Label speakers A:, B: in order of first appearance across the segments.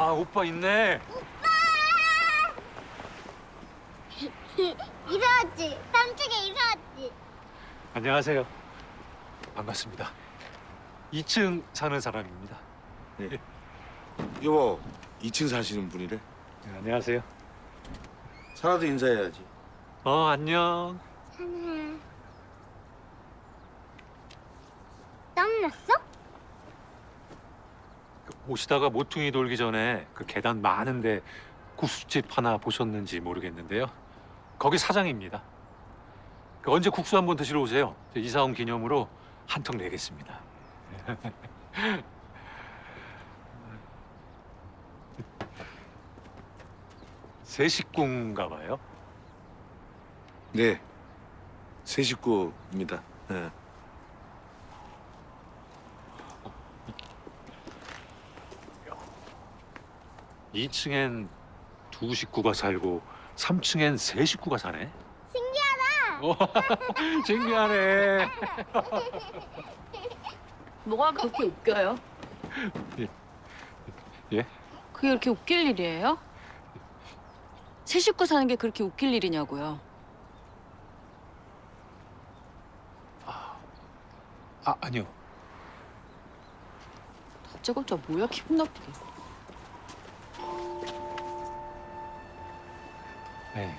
A: 아, 오빠 있네.
B: 이사 왔지? 삼촌이 이사 왔지?
A: 안녕하세요. 반갑습니다. 2층 사는 사람입니다.
C: 네. 여보, 2층 사시는 분이래.
A: 네, 안녕하세요.
C: 사라도 인사해야지.
A: 안녕.
B: 하나. 땀 났어?
A: 오시다가 모퉁이 돌기 전에 그 계단 많은데 국수집 하나 보셨는지 모르겠는데요. 거기 사장입니다. 언제 국수 한번 드시러 오세요. 이사 온 기념으로 한 통 내겠습니다. 세 식구인가 봐요.
C: 네, 세 식구입니다. 네.
A: 이 2층엔 두 식구가 살고 3층엔 세 식구가 사네.
B: 신기하다.
A: 신기하네.
D: 뭐가 그렇게 웃겨요?
A: 예?
D: 그게 그렇게 웃길 일이에요? 세 식구 사는 게 그렇게 웃길 일이냐고요.
A: 아니요.
D: 다짜고짜 뭐야 기분 나쁘게.
A: 네.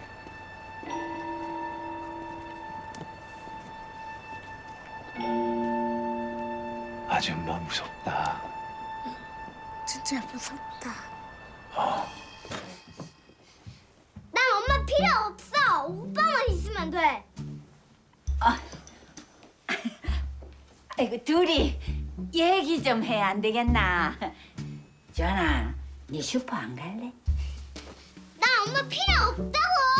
A: 아줌마 무섭다.
B: 진짜 무섭다. 난 엄마 필요 없어. 오빠만 있으면 돼.
E: 아이고 둘이 얘기 좀 해 안 되겠나? 전아, 네 슈퍼 안 갈래?
B: 난 엄마 필요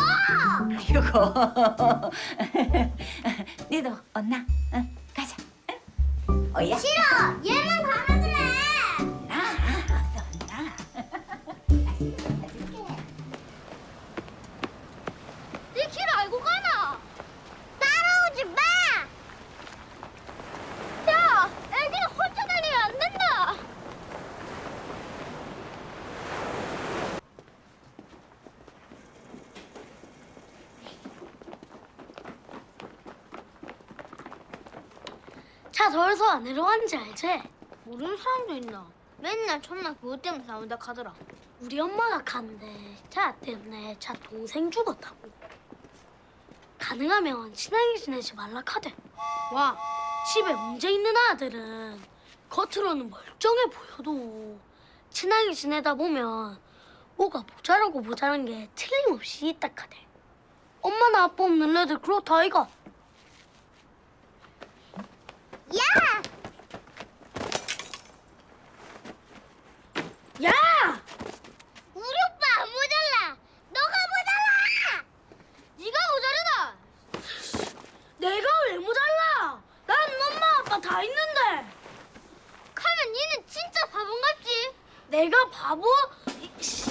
B: 없다고.
E: 아이고, 니도 언나, 응, 가자. 응? 어야?
B: 싫어. 얘만 가면 그래.
E: 어서 언나.
B: 네 길 알고 가나? 따라오지 마. 야, 애기는 혼자 다니면 안 된다. 차 더워서 안 내려가는지 알지? 모르는 사람도 있나? 맨날 첫날 그것 때문에 싸운다 하더라. 우리 엄마가 간대. 차 때문에 차 동생 죽었다고. 가능하면 친하게 지내지 말라 카대. 와, 집에 문제 있는 아들은 겉으로는 멀쩡해 보여도 친하게 지내다 보면 뭐가 모자라고 모자란 게 틀림없이 있다 카대. 엄마나 아빠 없는 애들 그렇다 아이가. 야! 야! 우리 오빠 안 모자라. 너가 모자라. 네가 모자르다. 내가 왜 모자라? 난 엄마 아빠 다 있는데. 가면 니는 진짜 바보 같지? 내가 바보? 이씨.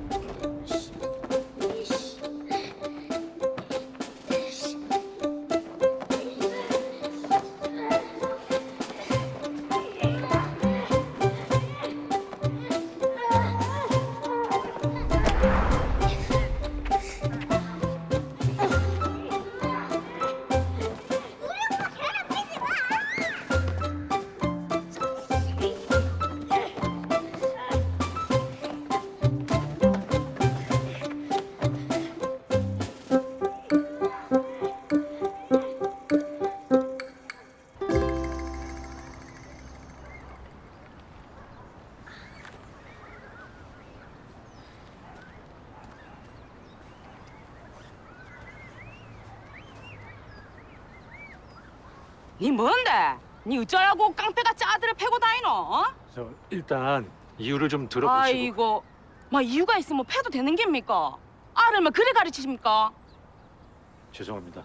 F: 니 뭔데? 니 어쩌라고 깡패같이 아들을 패고 다니노? 어?
A: 일단 이유를 좀 들어보시고.
F: 아이고, 막 이유가 있으면 패도 되는 겁니까? 아를 막 그래 가르치십니까?
A: 죄송합니다.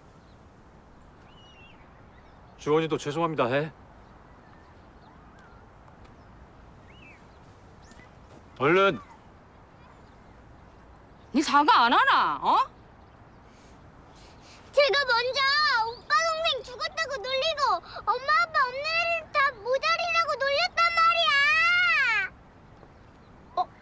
A: 주원이도 죄송합니다 해. 얼른.
F: 니 사과 안 하나? 어?
B: 제가 먼저 오빠 동생 죽었다고 놀리고 엄마 아빠 없는 애를 다 모자리라고 놀렸단 말이야.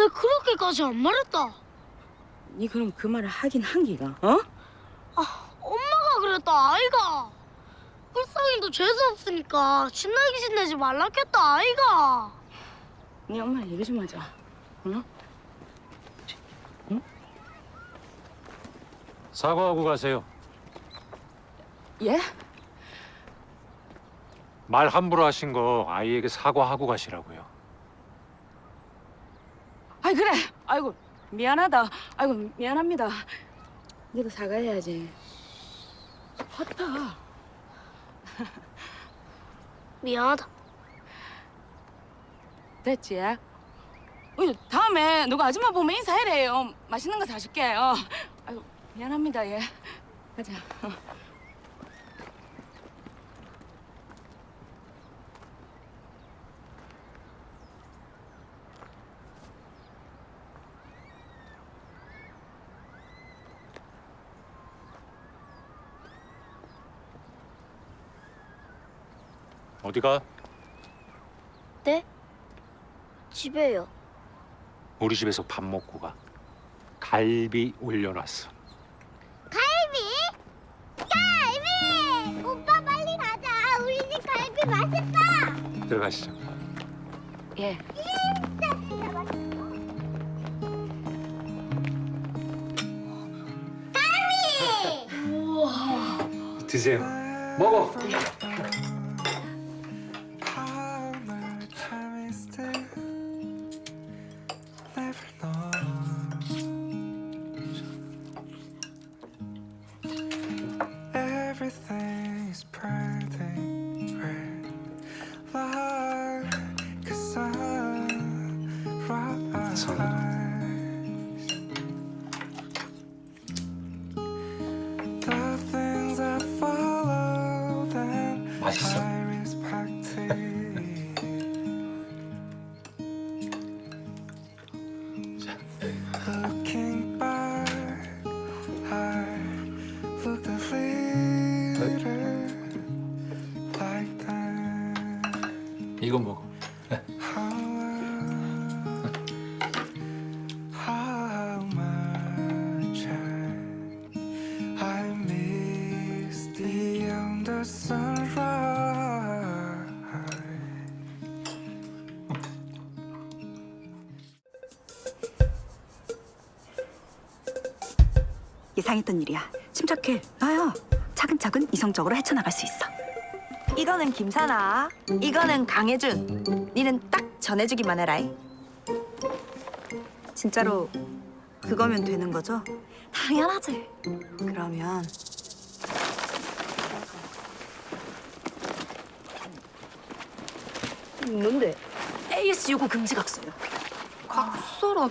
B: 왜 그렇게까지 안 말했다?
F: 니 그럼 그 말을 하긴 한 기가, 어?
B: 엄마가 그랬다 아이가. 불쌍이도 죄수 없으니까 신나게 지내지 말라겠다 아이가.
F: 니 엄마랑 얘기 좀 하자, 응?
A: 사과하고 가세요.
F: 예?
A: 말 함부로 하신 거 아이에게 사과하고 가시라고요.
F: 아이 그래. 아이고 미안하다. 아이고 미안합니다. 니도 사과해야지. 헛다.
B: 미안하다.
F: 됐지? 다음에 누가 아줌마 보면 인사해래요. 맛있는 거 사줄게요. 아이고 미안합니다. 예. 가자.
A: 어디가?
B: 네? 집에요.
A: 우리 집에서 밥 먹고 가. 갈비 올려놨어.
B: 갈비! 오빠 빨리 가자. 우리 집 갈비 맛있다.
A: 들어가시죠.
F: 예.
A: 드세요. 먹어.
G: Everything is pretty red like a sunrise. The things I follow then
A: 맛있어.
G: I respect it. Looking back, I looked a little like that.
A: 이거 먹어.
G: How much I miss beyond the sunrise.
H: 예상했던 일이야. 침착해. 나야. 차근차근 이성적으로 헤쳐나갈 수 있어. 이거는 김사나, 이거는 강혜준. 니는 딱 전해주기만 해라. 진짜로 그거면 되는 거죠? 당연하지. 그러면
B: 뭔데?
H: AS 요구 금지 각서요.
B: 각서라고?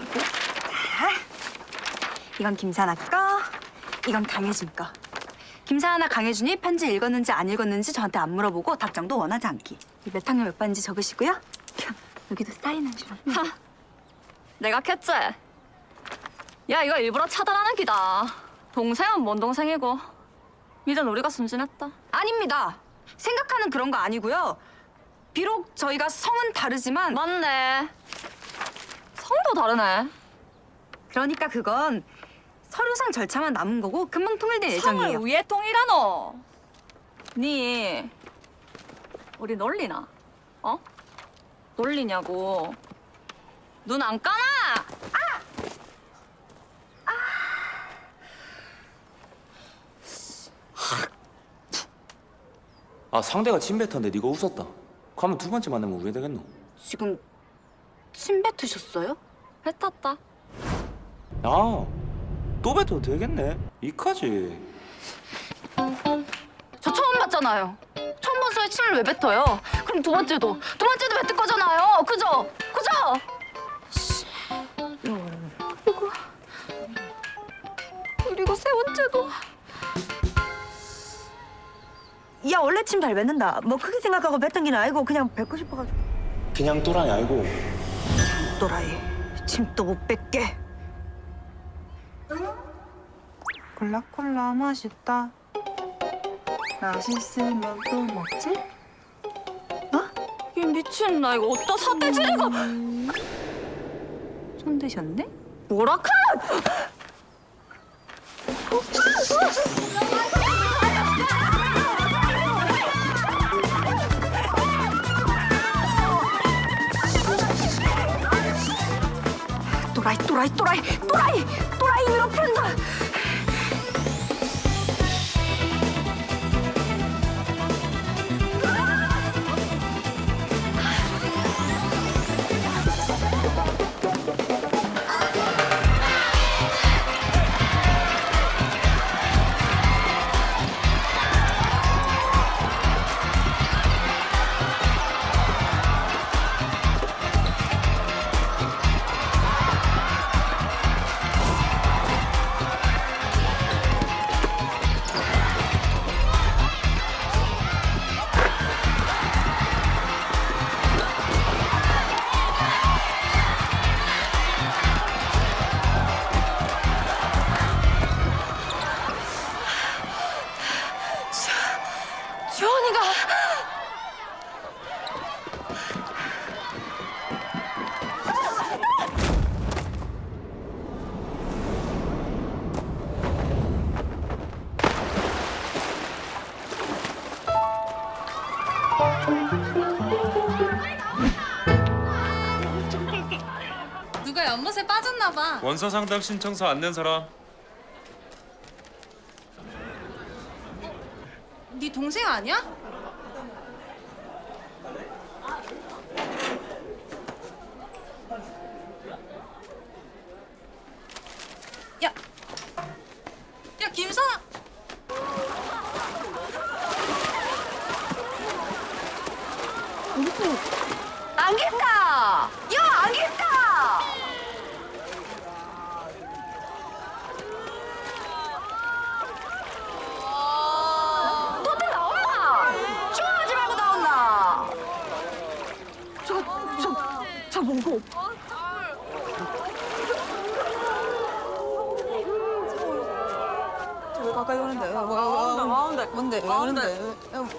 H: 이건 김사나 거, 이건 강혜준 거. 김사나 강혜준이 편지 읽었는지 안 읽었는지 저한테 안 물어보고 답장도 원하지 않기. 이 몇 학년 몇 반인지 적으시고요. 여기도 사인한 줄.
D: 내가 켰지? 야, 이거 일부러 차단하는 기다. 동생은 뭔 동생이고. 이젠 우리가 순진했다.
H: 아닙니다. 생각하는 그런 거 아니고요. 비록 저희가 성은 다르지만
D: 맞네. 성도 다르네.
H: 그러니까 그건 서류상 절차만 남은 거고 금방 통일될 예정이에요.
D: 성을 위에 통일하노. 니 우리 놀리나? 어? 놀리냐고. 눈 안 까나?
I: 아 상대가 침뱉었는데 네가 웃었다. 그러면 두 번째 만나면 우회 되겠노?
H: 지금 침 뱉으셨어요?
D: 뱉었다.
I: 야또 뱉어도 되겠네. 이까지.
D: 저 처음 봤잖아요. 처음 본 사이에 침을 왜 뱉어요? 그럼 두 번째도 뱉을 거잖아요. 그죠? 그리고 세 번째도.
H: 야 원래 침 잘 뱉는다. 뭐 크게 생각하고 뱉은 게 아니고 그냥 뱉고 싶어가지고.
I: 그냥 또라이 알고.
H: 또라이 침도 못 뱉게.
G: 콜라콜라 맛있다. 맛있으면 또 먹지?
D: 이 미친 나 이거 어디다 삿대 지르고.
H: 손드셨네? 뭐라카? 또라이 위협한다. 주원이가
D: 누가 연못에 빠졌나 봐.
J: 원서 상담 신청서 안 낸 사람.
D: 네 동생 아니야? 야, 야 김선아.
H: 안겠다. 야, 안겠다. 너들 나온나? 좋아하지 말고 나온나? 저 뭐고?
F: 왜 가까이 오는데? 뭔데? 왜 오는데?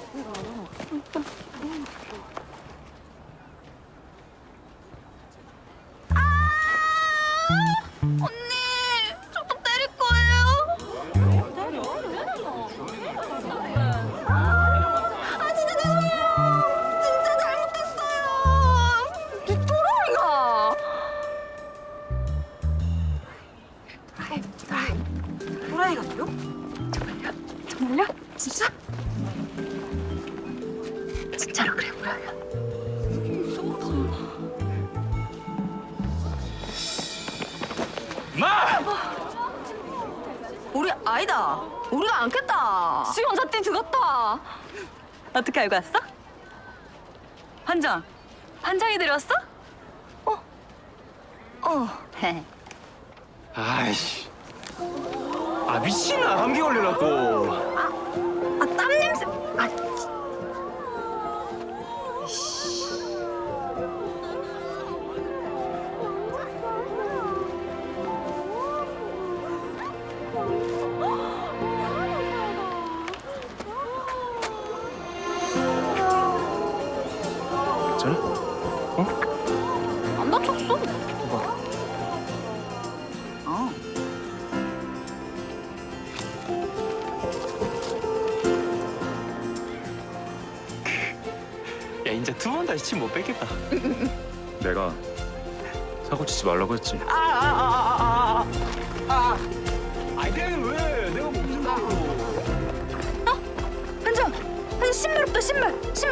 H: 저도 때릴 거예요. 아, 진짜 죄송해요. 진짜 잘못했어요. 이 또라이가. 또라이가요? 정말요? 진짜? 진짜로 그래 보여요. 우리 아니다. 우리가 안겠다. 수영사띠 죽었다. 어떻게 알고 왔어? 환장이 데려왔어?
I: 아이씨. 아 미친아 감기 걸려갖고.
H: 아, 땀 냄새. 아,
I: 괜찮아?
H: 안 다쳤어.
I: 야 이제 두 번 다시 침 못 뺏겠다.
J: 내가 사고 치지 말라고 했지.
I: 아니 내가 왜? 내가 못 준다고.
H: 한정, 신발 없다. 신발.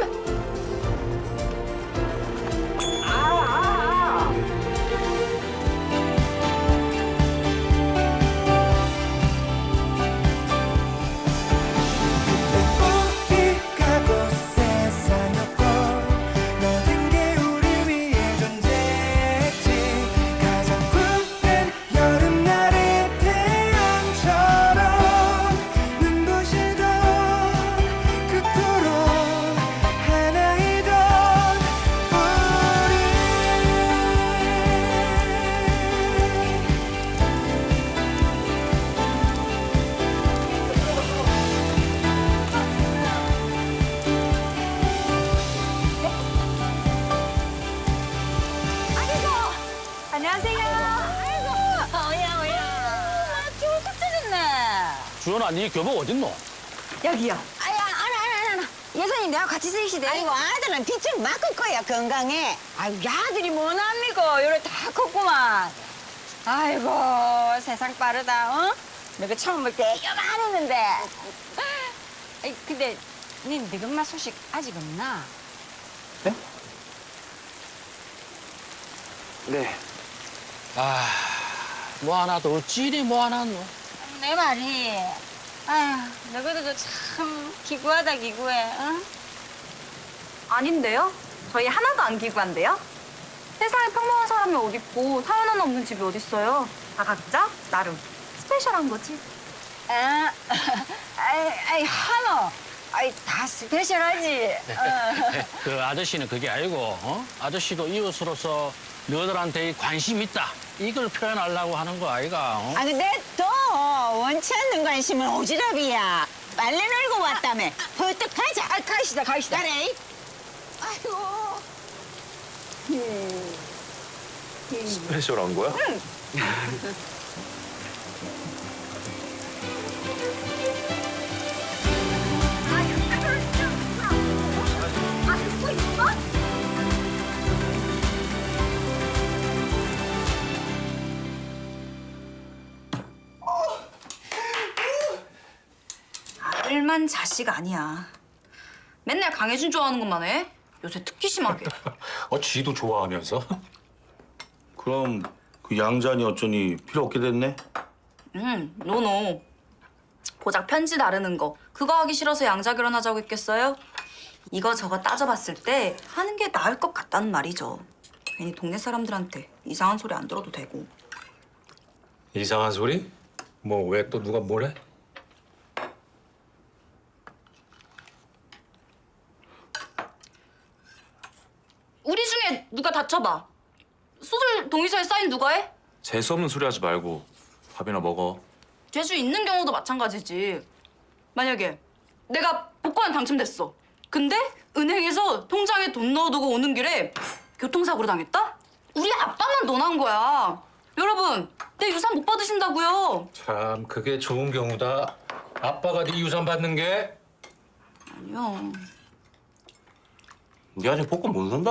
G: 어디 가고 세상 없고 모든 게 우리 위해 존재했지. 가장 푸른 여름날의 태양처럼 눈부시던 그토록 하나
H: 안녕하세요.
E: 오야. 좋을 것 찾았네.
K: 주연아, 네 교복 어딨노?
H: 여기요.
E: 알아. 여사님 내가 같이 쓰시대. 아이고 아들은 빚좀 막을 거야 건강해. 아이고 야들이 뭐합니까? 요래 다 컸구만. 아이고 세상 빠르다. 어? 내가 처음 볼 때 요만했는데. 아이 근데 니 늙은마 소식 아직 없나?
C: 네.
K: 아, 뭐 하나 더 어찌리 뭐 하나 노?
E: 내 말이. 아휴 너희들도 참 기구하다 기구해. 어?
H: 아닌데요? 저희 하나도 안 기구한데요? 세상에 평범한 사람이 어딨고 사연 하나 없는 집이 어딨어요? 다 각자 나름 스페셜한 거지.
E: 아, 아이 하노. 아이 다 스페셜하지.
K: 그 아저씨는 그게 아니고, 아저씨도 이웃으로서 너희들한테 관심 있다. 이걸 표현하려고 하는 거 아이가?
E: 아 근데 또 원치 않는 관심은 오지랖이야. 빨래 널고 왔다며. 벌떡 가자. 아, 가시다. 그래. 아이고.
J: 스페셜한 거야?
H: 일만 자식 아니야. 맨날 강혜준 좋아하는 것만 해. 요새 특히 심하게.
A: 지도 좋아하면서?
C: 그럼 그 양자니 어쩌니 필요 없게 됐네?
H: 노노. 고작 편지 나르는 거 그거 하기 싫어서 양자 결혼하자고 했겠어요? 이거저거 따져봤을 때 하는 게 나을 것 같다는 말이죠. 괜히 동네 사람들한테 이상한 소리 안 들어도 되고.
A: 이상한 소리? 뭐 왜 또 누가 뭐래?
H: 우리 중에 누가 다쳐봐. 수술 동의서에 사인 누가 해?
J: 재수 없는 소리 하지 말고 밥이나 먹어.
H: 죄수 있는 경우도 마찬가지지. 만약에 내가 복권 당첨됐어. 근데 은행에서 통장에 돈 넣어두고 오는 길에 교통사고로 당했다? 우리 아빠만 논한 거야. 여러분, 내 유산 못 받으신다고요.
A: 참 그게 좋은 경우다. 아빠가 네 유산 받는 게?
H: 아니요.
I: 우리 아직 복권 못 산다.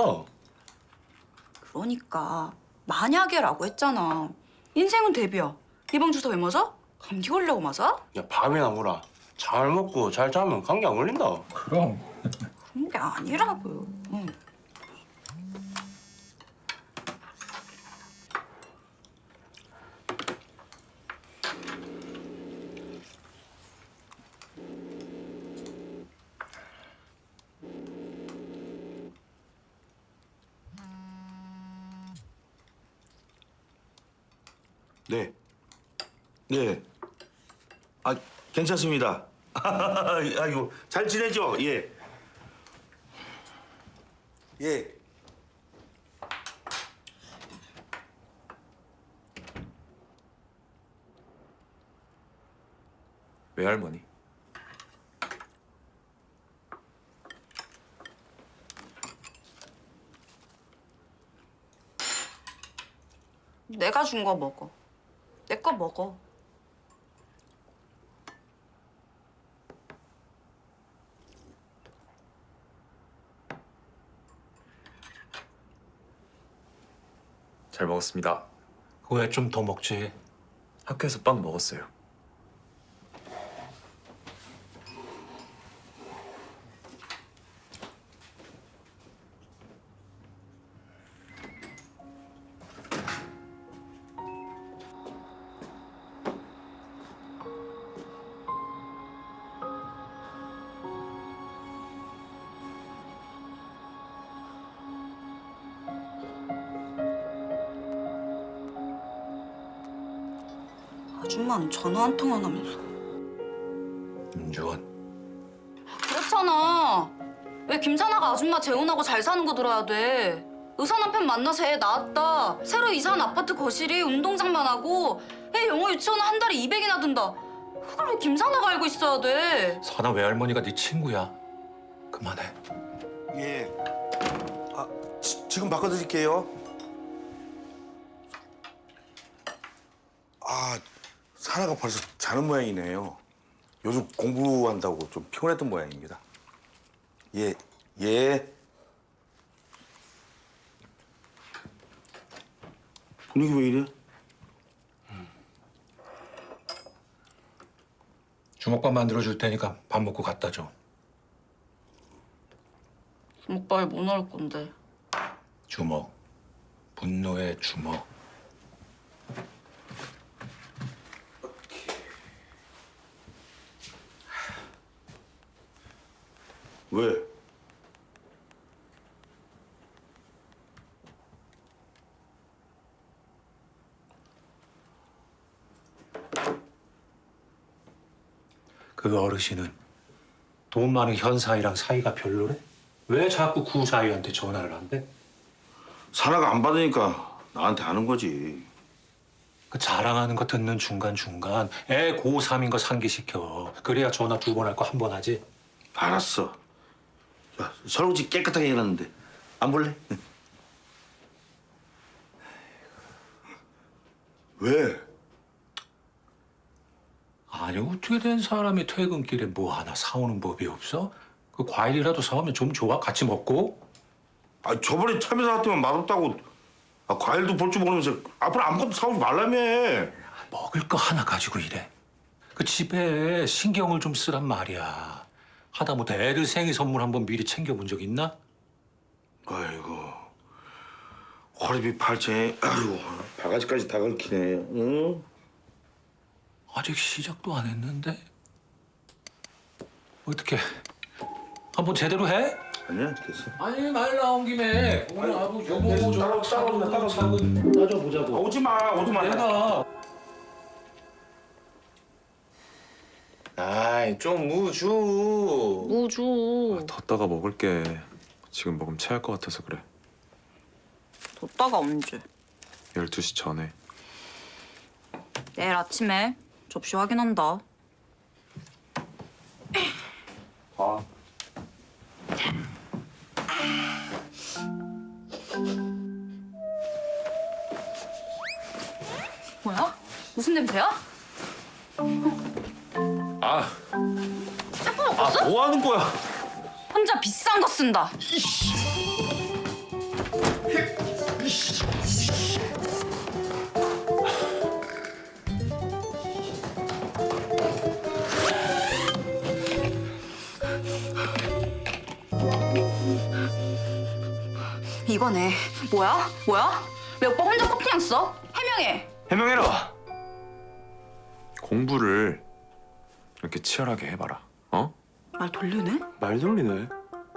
H: 그러니까 만약에라고 했잖아. 인생은 대비야. 예방 주사 왜 맞아? 감기 걸려고 맞아?
I: 야, 밥이나 먹어라. 잘 먹고 잘 자면 감기 안 걸린다.
A: 그럼.
H: 그런 게 아니라고요. 응.
C: 네. 네. 아, 괜찮습니다. 아이고, 잘 지내죠? 예. 예.
J: 외할머니.
H: 내가 준 거 먹어. 내 거 먹어.
J: 잘 먹었습니다.
A: 왜 좀 더 먹지?
J: 학교에서 빵 먹었어요.
H: 아줌마는 전화 한 통 안 하면서.
A: 윤주원.
H: 그렇잖아. 왜 김사나가 아줌마 재혼하고 잘 사는 거 들어야 돼? 의사 남편 만나서 애 낳았다. 새로 이사한 아파트 거실이 운동장만 하고 애 영어 유치원은 한 달에 200이나 든다. 그걸 왜 김사나가 알고 있어야 돼?
A: 사나 외할머니가 네 친구야. 그만해.
C: 예. 아, 지금 바꿔드릴게요. 아, 사나가 벌써 자는 모양이네요. 요즘 공부한다고 좀 피곤했던 모양입니다. 예, 예. 분위기 왜 이래?
A: 주먹밥 만들어 줄 테니까 밥 먹고 갖다 줘.
F: 주먹밥에 뭐 넣을 건데?
A: 주먹. 분노의 주먹.
C: 왜?
A: 그 어르신은 돈 많은 현사이랑 사이가 별로래? 왜 자꾸 구사이한테 전화를 한대?
C: 사나가 안 받으니까 나한테 하는 거지.
A: 그 자랑하는 거 듣는 중간중간 애 고3인 거 상기시켜. 그래야 전화 2번 할 거 1번 하지.
C: 알았어. 야, 설거지 깨끗하게 해놨는데 안 볼래? 왜?
A: 아니 어떻게 된 사람이 퇴근길에 뭐 하나 사오는 법이 없어? 그 과일이라도 사오면 좀 좋아? 같이 먹고?
C: 아, 저번에 참외 사왔더만 맛없다고. 아, 과일도 볼 줄 모르면서 앞으로 아무것도 사오지 말라며.
A: 먹을 거 하나 가지고 이래. 그 집에 신경을 좀 쓰란 말이야. 하다못해 애들 생일 선물 한번 미리 챙겨본 적 있나?
C: 아이고, 허리비 팔짱에 아이고 바가지까지 다 긁히네. 응?
A: 아직 시작도 안 했는데? 어떻게 한번 제대로 해?
C: 아니야, 됐어.
A: 아니 말 나온 김에 오늘 아부 여보
C: 따라오자.
A: 따져보자고.
C: 오지 마, 오지 마.
A: 내가
J: 아이 좀 무주.
F: 무주.
J: 뒀다가 먹을게. 지금 먹으면 체할 것 같아서 그래.
H: 뒀다가 언제?
J: 12시 전에.
H: 내일 아침에 접시 확인한다.
J: 아.
H: 뭐야? 무슨 냄새야?
J: 아. 뭐 하는 거야?
H: 혼자 비싼 거 쓴다. 이거네. 뭐야? 왜 오빠 혼자 커피냥 써? 해명해.
J: 해명해라. 공부를 이렇게 치열하게 해봐라. 어?
H: 말 돌리네?
J: 말 돌리네.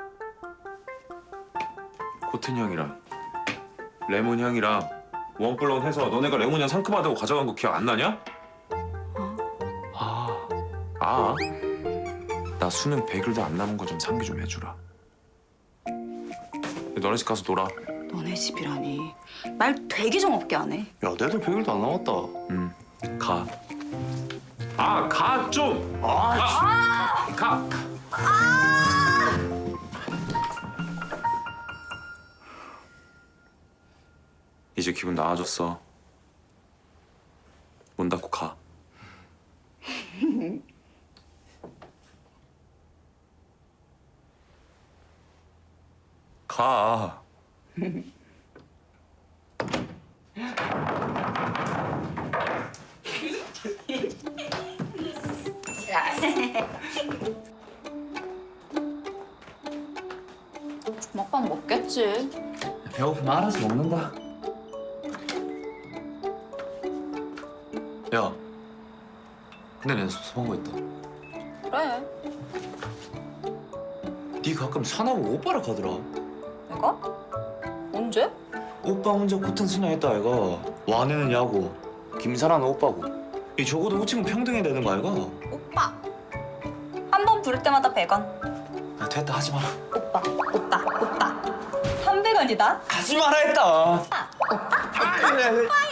J: 코튼 향이랑 레몬 향이랑 원플런 해서 너네가 레몬 향 상큼하다고 가져간 거 기억 안 나냐? 아. 나 수능 100일도 안 남은 거 좀 상기 좀 해주라. 너네 집 가서 놀아.
H: 너네 집이라니. 말 되게 정없게 하네.
I: 야, 내도 100일도 안 남았다.
J: 가. 가 좀. 가. 이제 기분 나아졌어. 문 닫고 가. 가.
H: 주먹밥 먹겠지.
I: 배고프면 알아서 먹는다. 야, 근데 내가 섭섭한 거 있다.
H: 그래.
I: 네 가끔 사나보고 오빠라 하더라.
H: 내가? 언제?
I: 오빠 혼자 코튼 순양했다 아이가. 와내는 야구, 김사라는 오빠고. 이 적어도 호칭은 평등해야 되는 거 아이가?
H: 오빠. 한 번 부를 때마다 100원.
I: 야, 됐다 하지 마라.
H: 오빠. 300원이다.
I: 하지 마라 했다.
H: 오빠.